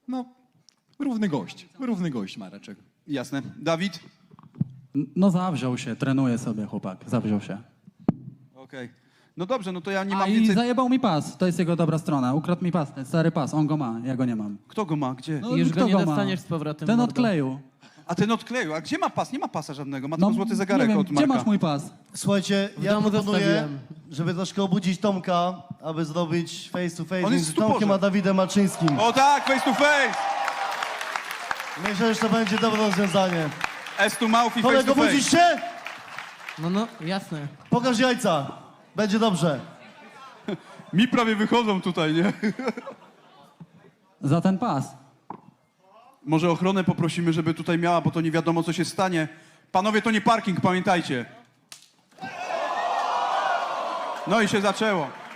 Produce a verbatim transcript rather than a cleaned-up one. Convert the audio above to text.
No, równy gość, równy gość Mareczek. Jasne. Dawid? No zawziął się, trenuje sobie chłopak, zawziął się. Okej. No dobrze, no to ja nie A mam i więcej... zajebał mi pas, to jest jego dobra strona. Ukradł mi pas, ten stary pas, on go ma, ja go nie mam. Kto go ma? Gdzie? No, Już kto go nie ma? dostaniesz z powrotem, Ten mordo. odkleił. A ten odkleił. A gdzie ma pas? Nie ma pasa żadnego. Ma tylko złoty nie zegarek wiem, od Marka. gdzie masz mój pas? Słuchajcie, W ja domu proponuję, zostawiłem. żeby troszkę obudzić Tomka, aby zrobić face to face On jest między w stuporze. Tomkiem a Dawidem Maczyńskim. O tak, face to face! Myślę, że to będzie dobre rozwiązanie. S to mouth i face Kolego, to face. budzisz się? No, no, jasne. Pokaż jajca. Będzie dobrze. Mi prawie wychodzą tutaj, nie? Za ten pas. Może ochronę poprosimy, żeby tutaj miała, bo to nie wiadomo, co się stanie. Panowie, to nie parking, pamiętajcie. No i się zaczęło.